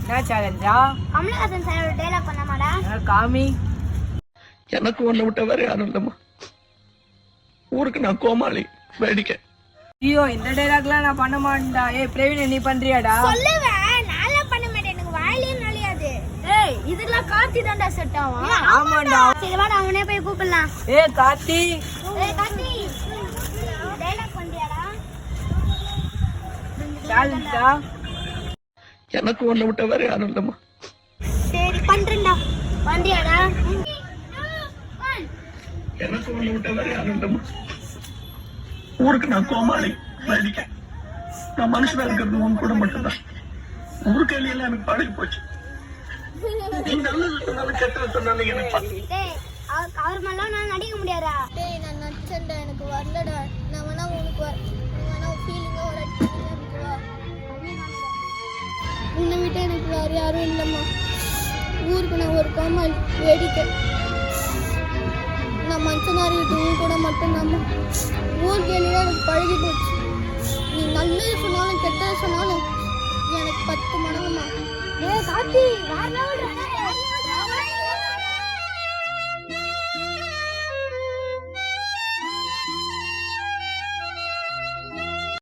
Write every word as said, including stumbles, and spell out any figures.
என்ன சேலஞ்சா? Kamal Haasan sir dialogue பண்ணமாடா? காமி. எனக்கு ஒண்ணு விட்ட வேற யாரும் இல்லம்மா. ஊருக்கு நான் கோமாளி வேடிக்கை. ஐயோ இந்த டயலாக்லாம் நான் பண்ண மாட்டேன்டா. ஏய் பிரவீன் நீ பண்றியாடா? சொல்லுவேன் நான்லாம் பண்ண மாட்டேன். எனக்கு வாயிலே நலியாது. ஏய் இதெல்லாம் கார்த்தி தான்டா செட் ஆகும். ஆமாடா. சரி வாடா அவனே போய் கூப்பிடலாம். ஏய் கார்த்தி. ஏய் கார்த்தி. டயலாக் பண்றியாடா? சேலஞ்சா? எனக்கு ஒண்ணு விட்ட வேற யாரும் இல்லம்மா. சரி பண்றேன்டா. பண்றியாடா? எனக்கு ஒண்ணு விட்ட வேற யாரும் இல்லம்மா. ஊருக்கு நான் கோமாளி வேடிக்கை. நான் மனுஷனா இருக்கிறது உன் கூட மட்டும்தான். ஊருக்கு எல்லாம் எனக்கு பழகி போச்சு. நீ நல்லது சொன்னாலும் கெட்டது சொன்னாலும் எனக்கு டேய் அவர் மேலாம் நான் நடிக்க முடியாதா? டேய் நான் நடிச்சேன்டா எனக்கு வரலடா. நான் வேணா உனக்கு வர வேணா ஃபீலிங்கா வர எனக்கு வா. உன்னை விட்டு எனக்கு வேற யாரும் இல்லம்மா. ஊருக்கு நான் ஒரு கோமாளி வேடிக்கை. நான் மனுஷனா இருக்கிறது கூட மட்டும்தாம்மா. ஊருக்கு எல்லாம் எனக்கு பழகி போச்சு. நீ நல்லது சொன்னாலும் கெட்டது சொன்னாலும் எனக்கு பத்து மடங்குமா. ஏ கார்த்தி வேற லெவல்